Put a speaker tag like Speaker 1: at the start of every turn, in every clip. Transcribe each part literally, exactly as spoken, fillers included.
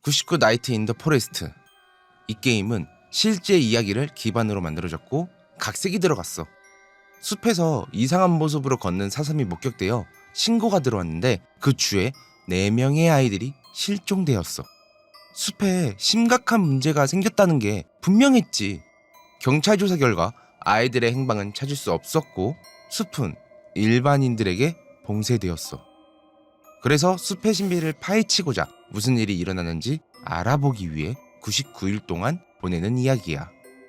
Speaker 1: 구십구 나이트 인 더 포레스트. 이 게임은 실제 이야기를 기반으로 만들어졌고 각색이 들어갔어. 숲에서 이상한 모습으로 걷는 사슴이 목격되어 신고가 들어왔는데 그 주에 네 명의 아이들이 실종되었어. 숲에 심각한 문제가 생겼다는 게 분명했지. 경찰 조사 결과 아이들의 행방은 찾을 수 없었고 숲은 일반인들에게 봉쇄되었어. 그래서 숲의 신비를 파헤치고자 무슨 일이 일어나는지 알아보기 위해 구십구 일 동안 보내는 이야기야.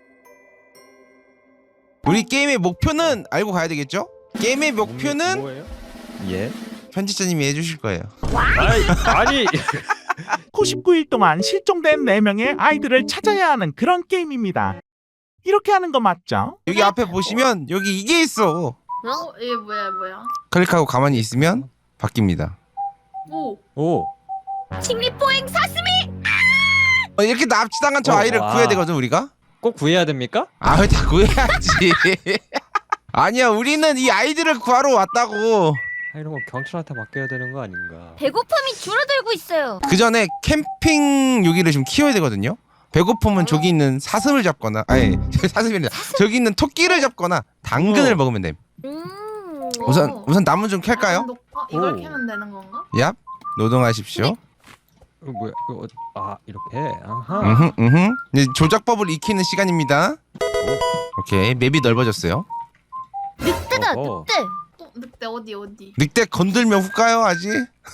Speaker 1: 우리 게임의 목표는 알고 가야 되겠죠? 게임의 목표는
Speaker 2: 뭐예요? 예?
Speaker 1: 편집자님이 해주실 거예요.
Speaker 2: 아니, 아니.
Speaker 3: 구십구 일 동안 실종된 네 명의 아이들을 찾아야 하는 그런 게임입니다. 이렇게 하는 거 맞죠?
Speaker 1: 여기 앞에 보시면 여기 이게 있어.
Speaker 4: 어? 이게 뭐야 뭐야?
Speaker 1: 클릭하고 가만히 있으면 바뀝니다.
Speaker 4: 오!
Speaker 2: 오.
Speaker 4: 칭리포행 사슴이!
Speaker 1: 어, 이렇게 납치당한 저
Speaker 2: 어,
Speaker 1: 아이를
Speaker 2: 와.
Speaker 1: 구해야 되거든 우리가.
Speaker 2: 꼭 구해야 됩니까?
Speaker 1: 아 왜 다 구해야지. 아니야 우리는 이 아이들을 구하러 왔다고.
Speaker 2: 아, 이런 거 경찰한테 맡겨야 되는 거 아닌가?
Speaker 4: 배고픔이 줄어들고 있어요.
Speaker 1: 그 전에 캠핑 유기를 좀 키워야 되거든요. 배고프면 저기 있는 사슴을 잡거나 아니 사슴이 아니라 저기 있는 토끼를 잡거나 당근을
Speaker 2: 어.
Speaker 1: 먹으면 돼.
Speaker 4: 음.
Speaker 1: 우선 우선 나무 좀 캘까요?
Speaker 4: 어, 이걸
Speaker 2: 오.
Speaker 4: 캐면 되는 건가?
Speaker 1: 얍 노동하십시오.
Speaker 2: 이거 뭐야? 이거 어- 아 이렇게. 아하.
Speaker 1: 음흠 음흠. 이제 조작법을 익히는 시간입니다. 오케이 맵이 넓어졌어요.
Speaker 4: 늑대다
Speaker 2: 어허.
Speaker 4: 늑대. 어, 늑대 어디 어디?
Speaker 1: 늑대 건들면 훅 가요 아직.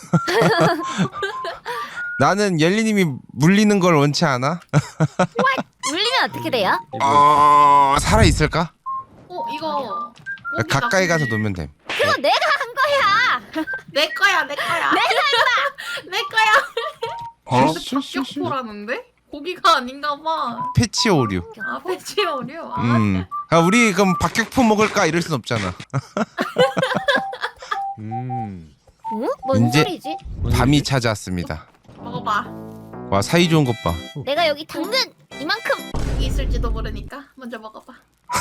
Speaker 1: 나는 옐리님이 물리는 걸 원치 않아.
Speaker 4: 물리면 어떻게 돼요?
Speaker 2: 이거
Speaker 1: 어 살아 있을까?
Speaker 4: 어 이거
Speaker 1: 가까이 가서 놓으면 돼.
Speaker 4: 그거 내가 한 거야. 내 거야 내 거야. 내 거야 내 거야.
Speaker 1: 어?
Speaker 4: 박격포라는데? 고기가 아닌가 봐.
Speaker 1: 패치 오류.
Speaker 4: 아 배치 어려. 아,
Speaker 1: 음. 아, 우리 그럼 박격포 먹을까 이럴 순 없잖아.
Speaker 2: 음.
Speaker 4: 응? 뭔
Speaker 1: 이제-
Speaker 4: 소리지?
Speaker 1: 밤이 찾아왔습니다.
Speaker 4: 먹어봐.
Speaker 1: 와 사이 좋은 것 봐.
Speaker 4: 내가 여기 당근 이만큼 여기 있을지도 모르니까 먼저 먹어봐.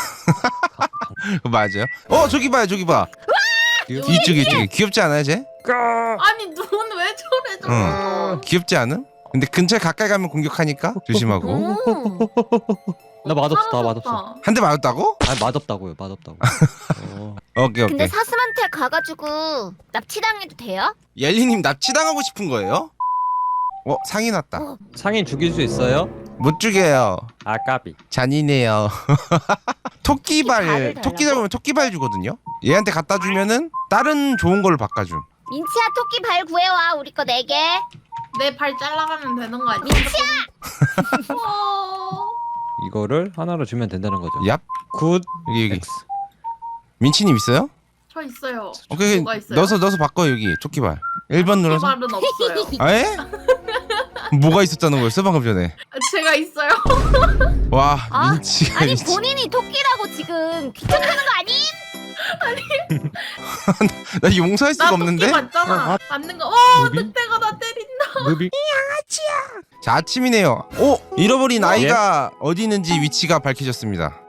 Speaker 1: 그거 맞아요? 어 저기 봐요 저기 봐. 이쪽에 이쪽에 귀엽지 않아요 쟤?
Speaker 4: 아니 눈 왜 저래 저거?
Speaker 1: 응. 귀엽지 않음? 근데 근처에 가까이 가면 공격하니까 조심하고.
Speaker 4: 음.
Speaker 2: 나 맛없어, 나
Speaker 4: 사라졌다.
Speaker 2: 맛없어.
Speaker 1: 한 대 맞았다고?
Speaker 2: 아 맛없다고요, 맛없다고. 어.
Speaker 1: 오케이
Speaker 4: 근데
Speaker 1: 오케이.
Speaker 4: 사슴한테 가가지고 납치당해도 돼요?
Speaker 1: 옐리님 납치당하고 싶은 거예요? 어 상이 났다.
Speaker 4: 어.
Speaker 2: 상인 죽일 수 있어요?
Speaker 1: 못 죽여요.
Speaker 2: 아 까비.
Speaker 1: 잔인해요. 토끼발
Speaker 4: 토끼발을
Speaker 1: 토끼
Speaker 4: 달라고?
Speaker 1: 잡으면 토끼발 주거든요. 얘한테 갖다 주면은 다른 좋은 걸로 바꿔줌.
Speaker 4: 민치야 토끼 발 구해와 우리 거 네 개. 내 발 잘라가면 되는 거 아니야? 민치야! 어...
Speaker 2: 이거를 하나로 주면 된다는 거죠.
Speaker 1: 얍
Speaker 2: 굿.
Speaker 1: 여기 여기.
Speaker 2: X.
Speaker 1: 민치님 있어요?
Speaker 4: 저 있어요.
Speaker 1: 오케이
Speaker 4: 뭐가 있어요?
Speaker 1: 넣어서 넣어서 바꿔 여기 토끼발. 일 번 눌러서.
Speaker 4: 발은 없어요.
Speaker 1: 아 에? 뭐가 있었다는 거였어 방금 전에?
Speaker 4: 제가 있어요.
Speaker 1: 와
Speaker 4: 아,
Speaker 1: 민치가
Speaker 4: 아니
Speaker 1: 민치.
Speaker 4: 본인이 토끼라고 지금 귀찮다는 거 아님?
Speaker 1: 나 용서할 수가
Speaker 4: 나
Speaker 1: 없는데?
Speaker 4: 토끼 맞잖아.
Speaker 2: 어, 아.
Speaker 4: 맞는 거. 어,
Speaker 2: 무비?
Speaker 4: 늑대가 나 때린다.
Speaker 2: 무비.
Speaker 1: 자 아침이네요. 오 잃어버린
Speaker 2: 어?
Speaker 1: 아이가 어디 있는지 위치가 밝혀졌습니다.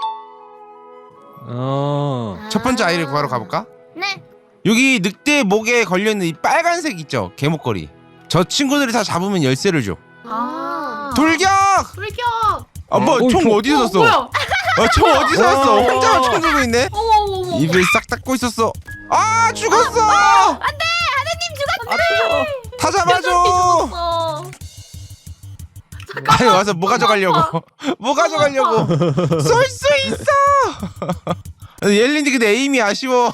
Speaker 2: 어.
Speaker 1: 첫 번째 아이를 구하러 가볼까?
Speaker 4: 네.
Speaker 1: 여기 늑대 목에 걸려있는 이 빨간색 있죠? 개목걸이. 저 친구들이 다 잡으면 열쇠를 줘.
Speaker 4: 아.
Speaker 1: 돌격!
Speaker 4: 돌격.
Speaker 1: 아 뭐
Speaker 2: 어,
Speaker 1: 총
Speaker 2: 총-
Speaker 1: 어디서
Speaker 4: 어,
Speaker 1: 샀어?
Speaker 4: 뭐야?
Speaker 1: 아, 총 어디서 샀어?
Speaker 2: 어.
Speaker 1: 혼자만 총 들고 있네?
Speaker 4: 어머 어머 어머.
Speaker 1: 입을 싹 닫고 있었어. 아 죽었어! 다 잡아줘!
Speaker 4: 죽었어.
Speaker 1: 아니 와서 뭐 가져가려고? 뭐 가져가려고? 쏠 수 있어! 옐린이 근데 에임이 아쉬워.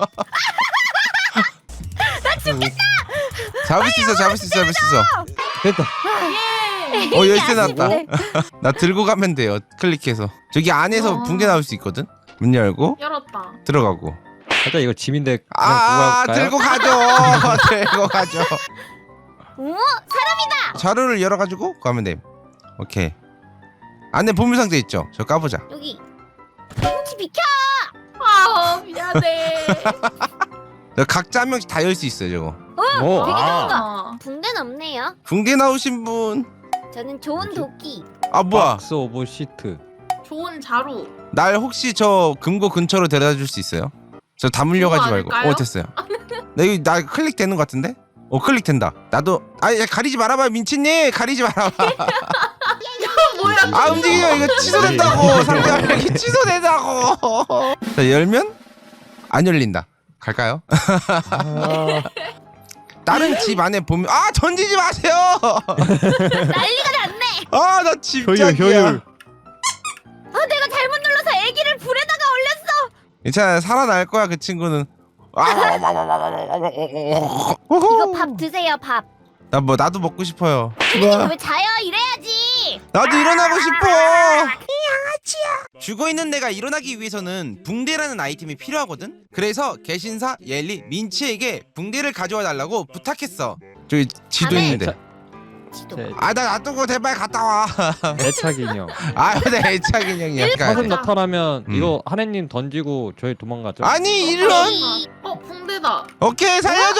Speaker 1: 나 죽겠다! 잡을 수 있어 잡을 수 있어 잡을 수 있어.
Speaker 2: 됐다.
Speaker 4: 예.
Speaker 1: 어 열쇠 나왔다. 나 들고 가면 돼요. 클릭해서 저기 안에서
Speaker 4: 어.
Speaker 1: 붕대 나올 수 있거든. 문 열고
Speaker 4: 열었다.
Speaker 1: 들어가고.
Speaker 2: 살짝 이거 짐인데 그냥
Speaker 1: 아
Speaker 2: 구할까요?
Speaker 1: 들고 가죠. 들고 가죠.
Speaker 4: 오 사람이다.
Speaker 1: 자루를 열어가지고 가면 돼. 오케이. 안에 보물상자 있죠. 저 까보자.
Speaker 4: 여기. 민치 비켜. 아 미안해.
Speaker 1: 저 각자 한 명씩 다 열 수 있어요. 저거.
Speaker 2: 오,
Speaker 4: 되게
Speaker 2: 아.
Speaker 4: 좋은가? 붕대는 없네요.
Speaker 1: 붕대 나오신 분.
Speaker 4: 저는 좋은 도끼.
Speaker 1: 아 뭐야?
Speaker 2: 박스 오브 시트.
Speaker 4: 좋은 자루.
Speaker 1: 날 혹시 저 금고 근처로 데려다 줄 수 있어요? 저 다 물려가지
Speaker 4: 그거
Speaker 1: 말고.
Speaker 4: 아닐까요?
Speaker 1: 어 됐어요. 나 이거 나 클릭되는 것 같은데? 어 클릭된다. 나도 아 야, 가리지 말아봐 민치님 가리지 말아봐.
Speaker 4: 뭐야?
Speaker 1: 아 움직이면 이거 취소된다고. 상대방이 취소된다고. 자 열면 안 열린다. 갈까요?
Speaker 2: 아,
Speaker 1: 다른 집 안에 보면 아 던지지 마세요.
Speaker 4: 난리가 났네.
Speaker 1: 아 나
Speaker 2: 효율
Speaker 1: 집착이야.
Speaker 2: 효율.
Speaker 4: 아 내가 잘못 눌러서 애기를 불에다가 올렸어.
Speaker 1: 괜찮아 살아날 거야 그 친구는.
Speaker 4: 이거 밥 드세요 밥.
Speaker 1: 나 뭐 나도 먹고 싶어요.
Speaker 4: 선생님 왜 자요? 이래야지.
Speaker 1: 나도 일어나고 싶어. 죽어 있는 내가 일어나기 위해서는 붕대라는 아이템이 필요하거든. 그래서 개신사 옐리 민치에게 붕대를 가져와 달라고 부탁했어. 저기 지도
Speaker 4: 밤에-
Speaker 1: 있는데.
Speaker 4: 지도.
Speaker 2: 네,
Speaker 1: 아 나 놔두고 대발 갔다 와.
Speaker 2: 애착 인형.
Speaker 1: 아 근데 애착 인형이 약간.
Speaker 2: 사슴 나타나면
Speaker 1: 음.
Speaker 2: 이거 하느님 던지고 저희 도망가죠.
Speaker 1: 아니 이런.
Speaker 4: 어 붕대다.
Speaker 1: 오케이 살려줘.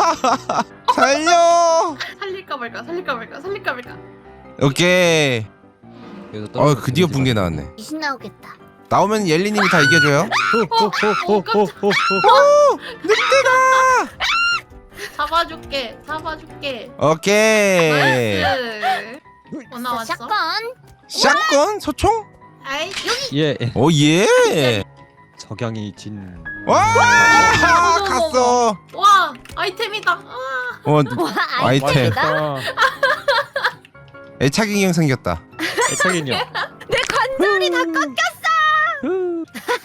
Speaker 1: 살려.
Speaker 4: 살릴까 말까 살릴까 말까 살릴까 말까.
Speaker 1: 오케이.
Speaker 2: 여기서
Speaker 1: 어
Speaker 2: 떨어져서
Speaker 1: 드디어
Speaker 2: 재밌지
Speaker 1: 붕대
Speaker 2: 마.
Speaker 1: 나왔네.
Speaker 4: 귀신 나오겠다.
Speaker 1: 나오면 옐리님이 다 이겨줘요.
Speaker 2: 호호호호호호.
Speaker 4: 잡아줄게 잡아줄게.
Speaker 1: 오케이.
Speaker 4: 나이스. 뭐 나왔어?
Speaker 5: 샷건.
Speaker 1: 샷건 소총?
Speaker 4: 아이
Speaker 2: 예.
Speaker 1: 오 예.
Speaker 2: 석양이 진.
Speaker 1: 와
Speaker 4: 어머, 어머,
Speaker 1: 갔어.
Speaker 4: 와 아이템이다. 아.
Speaker 1: 어
Speaker 5: 와
Speaker 1: 아이템.
Speaker 5: 아이템이다.
Speaker 2: 아,
Speaker 1: 애착 인형 생겼다.
Speaker 2: 애착 인형.
Speaker 5: 내 관절이 다 꺾였어.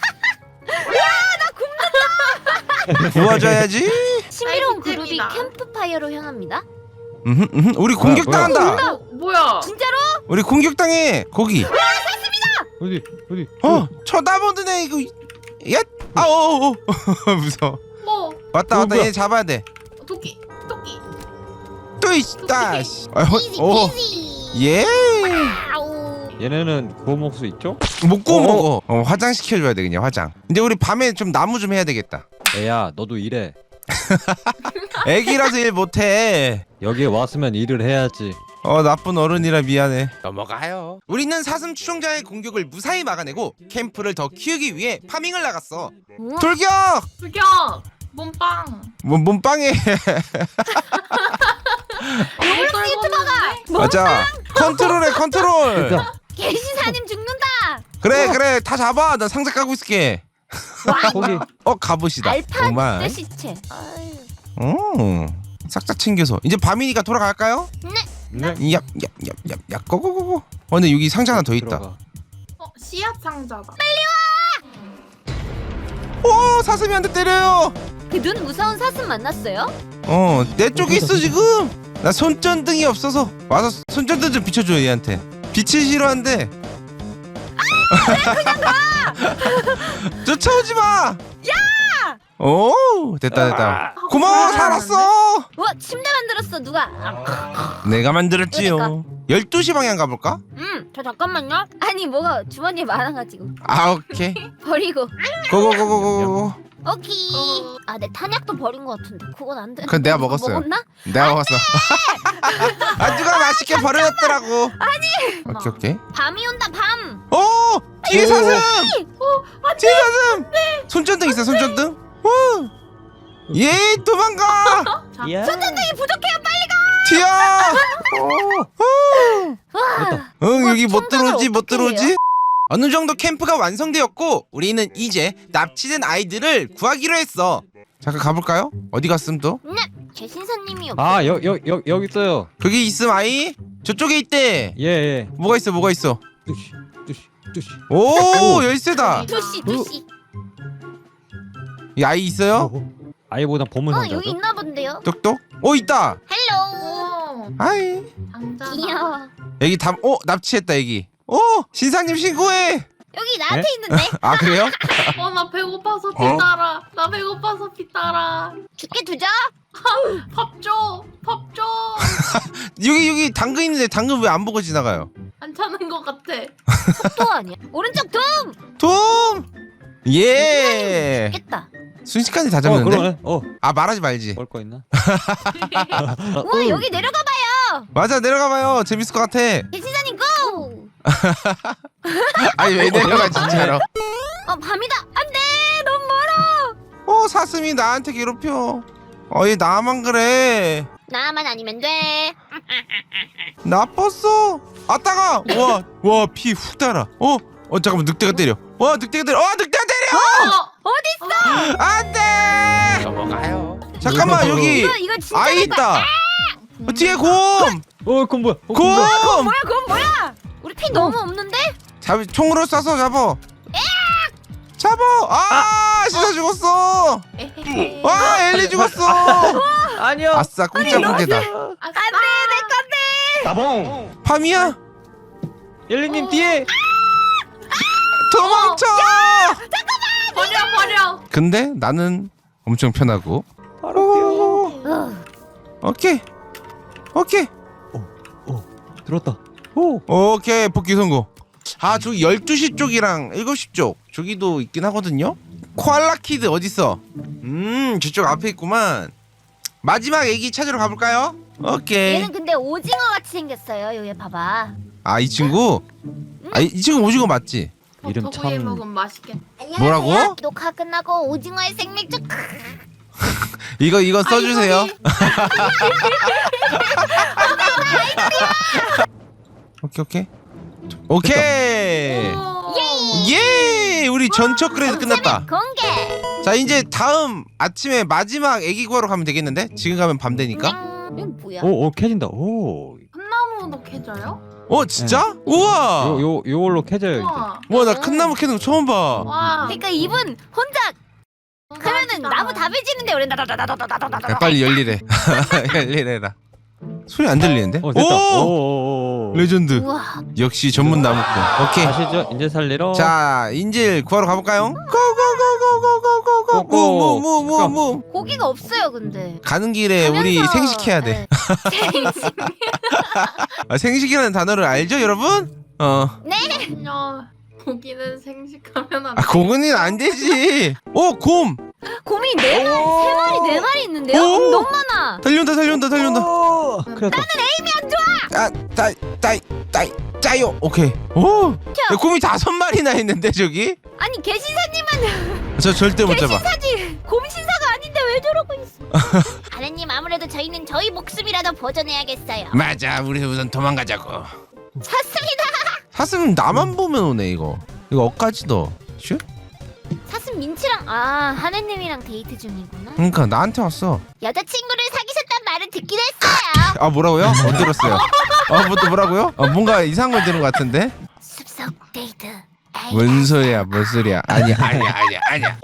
Speaker 1: 도와줘야지.
Speaker 5: 신비로운 그룹이
Speaker 4: 아이템이다.
Speaker 5: 캠프파이어로 향합니다.
Speaker 1: 음흠, 음흠. 우리 공격
Speaker 2: 뭐야?
Speaker 1: 당한다.
Speaker 4: 어, 뭐야?
Speaker 5: 진짜로?
Speaker 1: 우리 공격 당해. 거기.
Speaker 2: 어디 어디.
Speaker 1: 어 쳐다보는 애 이거. 야. 아오. 무서워.
Speaker 4: 뭐
Speaker 1: 왔다
Speaker 2: 어,
Speaker 1: 왔다
Speaker 2: 뭐야?
Speaker 1: 얘 잡아야 돼.
Speaker 4: 토끼 토끼.
Speaker 1: 또 있다. 씨. 아,
Speaker 5: 이지
Speaker 1: 어.
Speaker 5: 피지.
Speaker 1: 예.
Speaker 5: 아우.
Speaker 2: 얘네는 구워 먹을 수 있죠?
Speaker 1: 못 구워
Speaker 2: 어.
Speaker 1: 먹어. 어, 화장 시켜줘야 돼 그냥 화장. 근데 우리 밤에 좀 나무 좀 해야 되겠다.
Speaker 2: 애야 너도 일해.
Speaker 1: 애기라서 일 못해.
Speaker 2: 여기에 왔으면 일을 해야지.
Speaker 1: 어 나쁜 어른이라 미안해. 넘어가요. 우리는 사슴 추종자의 공격을 무사히 막아내고 캠프를 더 키우기 위해 파밍을 나갔어.
Speaker 5: 우와.
Speaker 1: 돌격!
Speaker 4: 죽여. 몸빵.
Speaker 1: 뭐 몸빵해.
Speaker 4: 로블록스 유튜버가.
Speaker 1: 맞아. 컨트롤해 컨트롤.
Speaker 2: 됐다.
Speaker 5: 개시사님 죽는다.
Speaker 1: 그래 그래 다 잡아. 나 상자 까고 있을게.
Speaker 2: 거기.
Speaker 1: 어 갑옷이다.
Speaker 5: 알파
Speaker 1: 오마이.
Speaker 5: 시체. 아유.
Speaker 1: 음. 싹 다 챙겨서 이제 밤이니까 돌아갈까요?
Speaker 2: 네.
Speaker 1: 얍얍얍얍얍 고고고고. 어 근데 여기 상자 하나 더 있다.
Speaker 2: 들어가.
Speaker 4: 어 씨앗 상자다.
Speaker 1: 오 사슴이 한 대 때려요.
Speaker 5: 그 눈 무서운 사슴 만났어요?
Speaker 1: 어 내 쪽에 있어 지금. 나 손전등이 없어서 와서 손전등 좀 비춰줘 얘한테. 빛을 싫어한대. 그냥 가. 쫓아오지 마. 야. 오 됐다 됐다. 고마워 살았어.
Speaker 5: 와 침대 만들었어 누가? 아,
Speaker 1: 내가 만들었지요. 열두 시 방향 가볼까?
Speaker 5: 음, 저 잠깐만요. 아니 뭐가 주머니에 많아가지고
Speaker 1: 아 오케이.
Speaker 5: 버리고.
Speaker 1: 고고고고고고.
Speaker 5: 오케이.
Speaker 4: 어.
Speaker 5: 아 내 탄약도 버린 것 같은데 그건 안 돼.
Speaker 1: 그건 내가 먹었어요.
Speaker 5: 먹었나?
Speaker 1: 내가 먹었어. 아 누가 맛있게 버려놨더라고. 아니. 오케이 오케이.
Speaker 5: 밤이 온다 밤.
Speaker 1: 오 뒤에
Speaker 2: 오.
Speaker 1: 사슴.
Speaker 4: 어
Speaker 1: 뒤에 사슴. 손전등 있어 손전등. 오. 예 도망가.
Speaker 2: 야.
Speaker 5: 손전등이 부족해요 빨리 가.
Speaker 1: 튀어.
Speaker 5: 와.
Speaker 1: 응
Speaker 5: 와,
Speaker 1: 여기 못
Speaker 5: 청소를
Speaker 1: 들어오지 못
Speaker 5: 어떻게
Speaker 1: 들어오지.
Speaker 5: 해요?
Speaker 1: 어느 정도 캠프가 완성되었고 우리는 이제 납치된 아이들을 구하기로 했어. 잠깐 가볼까요? 어디 갔음 또?
Speaker 5: 네. 제 신사님이 없.
Speaker 2: 아, 여, 여, 여, 여기 있어요.
Speaker 1: 거기 있음 아이? 저쪽에 있대.
Speaker 2: 예, 예.
Speaker 1: 뭐가 있어 뭐가 있어.
Speaker 2: 뚜시, 뚜시, 뚜시.
Speaker 1: 오 열쇠다.
Speaker 5: 투시 투시.
Speaker 1: 이 아이 있어요?
Speaker 2: 어, 아이보다 보물
Speaker 5: 어
Speaker 2: 상자죠?
Speaker 5: 여기 있나 본데요.
Speaker 1: 똑똑. 오 있다.
Speaker 5: 헬로.
Speaker 4: 오
Speaker 1: 아이.
Speaker 4: 상자다.
Speaker 5: 귀여워. 여기
Speaker 1: 여기 담. 오 납치했다 여기. 오 신사님 신고해.
Speaker 5: 여기 나한테
Speaker 2: 네?
Speaker 5: 있는데.
Speaker 1: 아 그래요?
Speaker 4: 어나 배고파서 피
Speaker 1: 어?
Speaker 4: 따라. 나 배고파서 피 따라.
Speaker 5: 죽게 두자.
Speaker 4: 밥 줘. 밥 줘.
Speaker 1: 여기 여기 당근 있는데 당근 왜 안 보고 지나가요?
Speaker 4: 안 차는 것 같아.
Speaker 5: 속도 아니야. 오른쪽 둠.
Speaker 1: 돔. 예.
Speaker 5: 죽겠다.
Speaker 1: 순식간에 다
Speaker 2: 어,
Speaker 1: 잡는데.
Speaker 2: 그러네. 어,
Speaker 1: 아 말하지 말지.
Speaker 2: 먹을 거 있나?
Speaker 5: 우와 여기 내려가 봐요.
Speaker 1: 맞아 내려가봐요. 재밌을 것 같아.
Speaker 5: 개신사님 고.
Speaker 1: 아니 왜 내려가 진짜로?
Speaker 5: 어 밤이다. 안돼 너무 멀어.
Speaker 1: 어 사슴이 나한테 괴롭혀. 어이 나만 그래.
Speaker 5: 나만 아니면 돼.
Speaker 1: 나빴어. 아 따가. 와와 피 훅 달아. 어? 어 잠깐만 늑대가 때려. 와 늑대가 때려. 와 늑대가 때려.
Speaker 4: 어,
Speaker 5: 어딨어?
Speaker 1: 안돼. 넘어가요. 잠깐만 여기
Speaker 5: 이거 이거 진짜
Speaker 1: 아이 있다. 어, 뒤에 곰.
Speaker 2: 어 그건 뭐야? 어,
Speaker 1: 곰.
Speaker 2: 그건 뭐야?
Speaker 5: 뭐야 그건 뭐야? 우리 피 너무 없는데?
Speaker 1: 잡 총으로 쏴서 잡어. 잡어. 아 시사 죽었어.
Speaker 4: 에헤헤.
Speaker 1: 와 엘리 죽었어.
Speaker 2: 아니요.
Speaker 1: 아싸 공짜 무게다.
Speaker 4: 아싸.
Speaker 5: 안돼 내 건데.
Speaker 1: 밤이야.
Speaker 2: 엘리님 뒤에.
Speaker 1: 도망쳐.
Speaker 4: 버려 버려.
Speaker 1: 근데 나는 엄청 편하고.
Speaker 2: 바로 뛰어.
Speaker 5: 어.
Speaker 1: 오케이. 오케이.
Speaker 2: 들었다. 오.
Speaker 1: 오케이 복귀 성공. 아 저기 열두 시 쪽이랑 일곱 시 쪽 저기도 있긴 하거든요. 코알라 키드 어딨어? 음 저쪽 앞에 있구만. 마지막 애기 찾으러 가볼까요? 오케이.
Speaker 5: 얘는 근데 오징어 같이 생겼어요. 여기 봐봐.
Speaker 1: 아 이 친구? 아 이 친구 오징어 맞지?
Speaker 2: 이름
Speaker 4: 버터구이
Speaker 2: 참-
Speaker 4: 먹으면 맛있겠다.
Speaker 1: 뭐라고?
Speaker 5: 녹화 끝나고 오징어의 생맥주.
Speaker 1: 이거 이거 써주세요.
Speaker 4: 아이고,
Speaker 1: 오케이 오케이 오케이.
Speaker 4: 오.
Speaker 1: 예 우리 전처 그래도 끝났다.
Speaker 5: 공개.
Speaker 1: 자 이제 다음 아침에 마지막 애기 구하러 가면 되겠는데? 지금 가면 밤 되니까.
Speaker 5: 음, 이건 뭐야?
Speaker 2: 오, 오 캐진다. 오.
Speaker 4: 콩나무도 캐져요?
Speaker 1: 어 진짜? 우와.
Speaker 2: 요, 요, 요걸로 캐져요 이제.
Speaker 4: 우와.
Speaker 1: 와 나 큰 나무 캐는 거 처음 봐.
Speaker 4: 와.
Speaker 5: 그러니까 이분 혼자 하면은 나무 다 베지는데 우리 나다다다다다다다다.
Speaker 1: 야, 빨리 열일해. 열일해라. 소리 안 들리는데?
Speaker 2: 어 됐다.
Speaker 1: 오!
Speaker 2: 오. 오.
Speaker 1: 레전드.
Speaker 5: 우와.
Speaker 1: 역시 전문 나무꾼. 오케이.
Speaker 2: 아시죠? 인제 살리러.
Speaker 1: 자 인질 구하러 가볼까요? 고고고고고고고고고무무무무.
Speaker 5: 고기가 없어요 근데.
Speaker 1: 가는 길에 우리
Speaker 5: 가면서-
Speaker 1: 생식해야 돼.
Speaker 5: 네. 생식.
Speaker 1: 아, 생식이라는 단어를 알죠 여러분? 어.
Speaker 4: 그냥 고기는 생식하면 안
Speaker 1: 아
Speaker 4: 돼.
Speaker 1: 고근이는 안 되지. 오 곰.
Speaker 5: 곰이 네 마리, 세 마리, 네 마리 있는데요?
Speaker 1: 오!
Speaker 5: 너무 많아.
Speaker 1: 달려온다 달려온다 달려온다.
Speaker 2: 오. 큰일 났다.
Speaker 1: 아, 따이, 따이, 따이, 짜요. 오케이. 오. 야, 곰이 다섯 마리나 있는데 저기?
Speaker 5: 아니 개신사님은
Speaker 1: 저 절대 못 잡아.
Speaker 5: 개신사지 곰 신사가 아닌데 왜 저러고 있어? 아드님 아무래도 저희는 저희 목숨이라도 보존해야겠어요.
Speaker 1: 맞아, 우리 우선 도망가자고.
Speaker 5: 샀습니다.
Speaker 1: 사슴 나만 보면 오네 이거. 이거 억까지 더. 슈?
Speaker 5: 사슴 민치랑 아 하느님이랑 데이트 중이구나.
Speaker 1: 그러니까 나한테 왔어.
Speaker 5: 여자친구를 사귀셨단 말은 듣긴 했어요.
Speaker 1: 아 뭐라고요? 못 들었어요. 아뭐또 뭐라고요? 아, 뭔가 이상한 걸 들은 것 같은데.
Speaker 5: 숲속 데이트. 에이,
Speaker 1: 뭔 소리야, 뭔 소리야? 아니야, 아니야, 아니야, 아니야.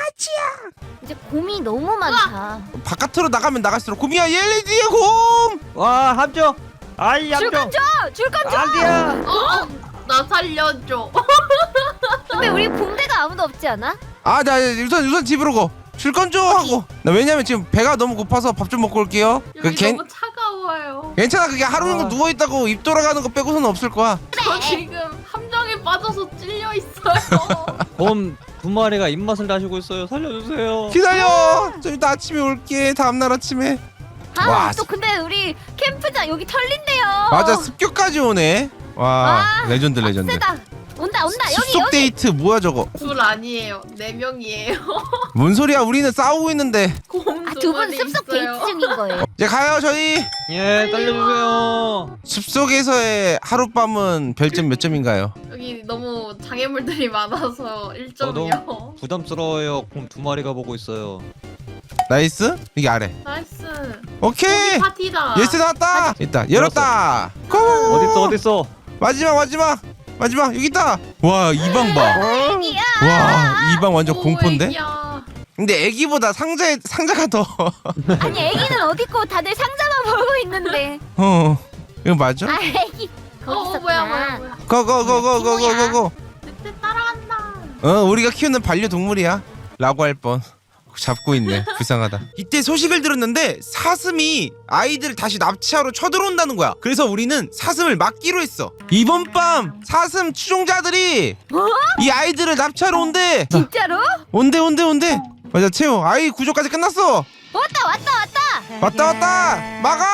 Speaker 5: 이제 곰이 너무 많다.
Speaker 1: 바깥으로 나가면 나갈수록 곰이야. 얘네 뒤에 곰.
Speaker 2: 와 함정. 아이
Speaker 5: 줄건
Speaker 2: 함정.
Speaker 5: 줘, 줄건 줘.
Speaker 2: 아니야.
Speaker 4: 어, 나 살려줘.
Speaker 5: 근데 우리 붕대가 아무도 없지 않아?
Speaker 1: 아, 나 우선 우선 집으로 고. 줄건 줘 하고. 나 왜냐면 지금 배가 너무 고파서 밥 좀 먹고 올게요. 그
Speaker 4: 여기
Speaker 1: 괜
Speaker 4: 너무 차가워요.
Speaker 1: 괜찮아. 그게 하루 종일
Speaker 2: 아.
Speaker 1: 누워 있다고 입 돌아가는 거 빼고서는 없을 거야.
Speaker 4: 저 지금 함정에 빠져서 찔려 있어요.
Speaker 2: 곰 두 마리가 입맛을 다시고 있어요. 살려주세요.
Speaker 1: 기다려. 좀 이따 아침에 올게. 다음 날 아침에.
Speaker 5: 아,
Speaker 1: 와,
Speaker 5: 또 근데 우리 캠프장 여기 털린대요.
Speaker 1: 맞아. 습격까지 오네. 와,
Speaker 5: 와,
Speaker 1: 레전드 레전드.
Speaker 5: 세다. 온다, 온다. 여기
Speaker 1: 숲속
Speaker 5: 여기.
Speaker 1: 데이트 뭐야 저거?
Speaker 4: 둘 아니에요. 네 명이에요.
Speaker 1: 뭔 소리야? 우리는 싸우고 있는데.
Speaker 4: 곰
Speaker 5: 아,
Speaker 4: 두
Speaker 5: 두 분
Speaker 4: 마리
Speaker 5: 숲속
Speaker 4: 있어요.
Speaker 5: 데이트 중인 거예요.
Speaker 1: 이제 가요 저희.
Speaker 2: 예, 살려주세요.
Speaker 1: 숲속에서의 하룻밤은 별점 몇 점인가요?
Speaker 4: 여기 너무 장애물들이 많아서 일 점이요.
Speaker 2: 부담스러워요. 곰 두 마리가 보고 있어요.
Speaker 1: 나이스. 이게 아래.
Speaker 4: 나이스.
Speaker 1: 오케이.
Speaker 4: 고기 파티다.
Speaker 1: 예스 나왔다. 있다. 열었다. 고.
Speaker 2: 어딨어 어딨어?
Speaker 1: 마지막 마지막 마지막 여기 있다. 와 이 방 봐.
Speaker 5: 애기야.
Speaker 1: 와 이 방 완전
Speaker 4: 오,
Speaker 1: 공포인데.
Speaker 4: 애기야.
Speaker 1: 근데 애기보다 상자에 상자가 더.
Speaker 5: 아니 애기는 어디 있고 다들 상자만 보고 있는데.
Speaker 1: 어 이거 맞아?
Speaker 5: 아 애기.
Speaker 4: 어,
Speaker 5: 거기
Speaker 4: 어
Speaker 5: 있었구나.
Speaker 4: 뭐야 뭐야 뭐야.
Speaker 1: 고고고고고고고.
Speaker 4: 늑대 따라간다.
Speaker 1: 어 우리가 키우는 반려동물이야. 라고 할 뻔. 잡고 있네. 불쌍하다. 이때 소식을 들었는데 사슴이 아이들을 다시 납치하러 쳐들어온다는 거야. 그래서 우리는 사슴을 막기로 했어. 이번 밤 사슴 추종자들이
Speaker 5: 뭐?
Speaker 1: 이 아이들을 납치하러 온대.
Speaker 5: 진짜로?
Speaker 1: 온대 온대 온대. 맞아 채호. 아이 구조까지 끝났어.
Speaker 5: 왔다 왔다 왔다.
Speaker 1: 왔다 왔다. 막아.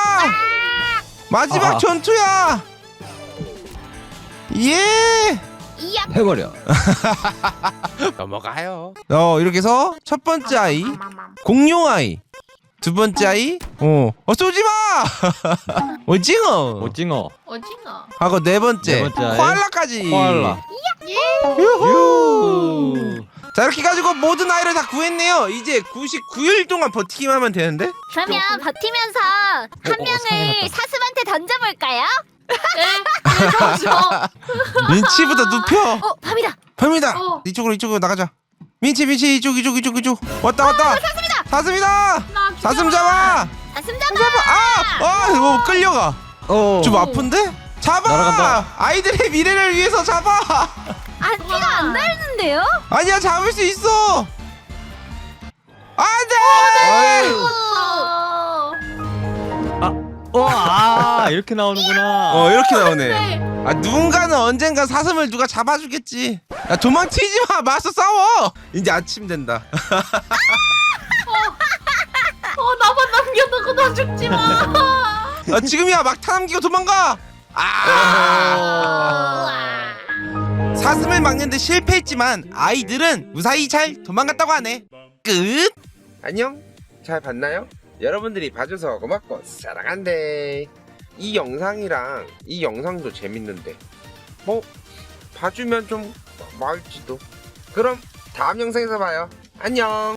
Speaker 1: 마지막
Speaker 2: 아.
Speaker 1: 전투야. 예.
Speaker 5: 이야.
Speaker 2: 해버려.
Speaker 1: 넘어가요. 어 이렇게 해서 첫 번째 아이
Speaker 4: 마마마.
Speaker 1: 공룡 아이 두 번째 아이 어, 어 쏘지 마. 오징어.
Speaker 2: 오징어.
Speaker 4: 오징어.
Speaker 1: 하고 네 번째,
Speaker 2: 네 번째 아이.
Speaker 1: 코알라까지.
Speaker 2: 코알라.
Speaker 1: 유후.
Speaker 2: 유.
Speaker 1: 자 이렇게 가지고 모든 아이를 다 구했네요. 이제 구십구 일 동안 버티기만 하면 되는데.
Speaker 5: 그러면 버티면서 한
Speaker 2: 어, 어,
Speaker 5: 명을
Speaker 2: 상해놨다.
Speaker 5: 사슴한테 던져볼까요?
Speaker 4: 네. 그러죠.
Speaker 1: 민치부터 눕혀.
Speaker 5: 어, 밤이다.
Speaker 1: 팝니다.
Speaker 4: 어.
Speaker 1: 이쪽으로 이쪽으로 나가자. 민치 민치 이쪽 이쪽 이쪽 이쪽. 왔다 왔다. 사슴이다. 사슴이다.
Speaker 4: 나
Speaker 1: 사슴 잡아.
Speaker 5: 사슴 잡아.
Speaker 1: 잡아. 아, 아, 뭐 끌려가.
Speaker 2: 어.
Speaker 1: 좀 아픈데? 잡아.
Speaker 2: 날아간다.
Speaker 1: 아이들의 미래를 위해서 잡아.
Speaker 5: 아, 피가 안 나르는데요?
Speaker 1: 아니야 잡을 수 있어. 안돼.
Speaker 2: 어, 아, 이렇게 나오는구나.
Speaker 1: 어 이렇게 나오네.
Speaker 4: 네.
Speaker 1: 아 누군가는 언젠가 사슴을 누가 잡아주겠지. 야 도망치지 마. 맞서 싸워. 이제 아침 된다.
Speaker 4: 어 나만 남겨두고 나 죽지 마.
Speaker 1: 아 지금이야 막타 남기고 도망가. 아. 사슴을 막는데 실패했지만 아이들은 무사히 잘 도망갔다고 하네. 끝. 안녕. 잘 봤나요? 여러분들이 봐줘서 고맙고 사랑한대. 이 영상이랑 이 영상도 재밌는데 뭐 봐주면 좀 고마울지도. 그럼 다음 영상에서 봐요. 안녕.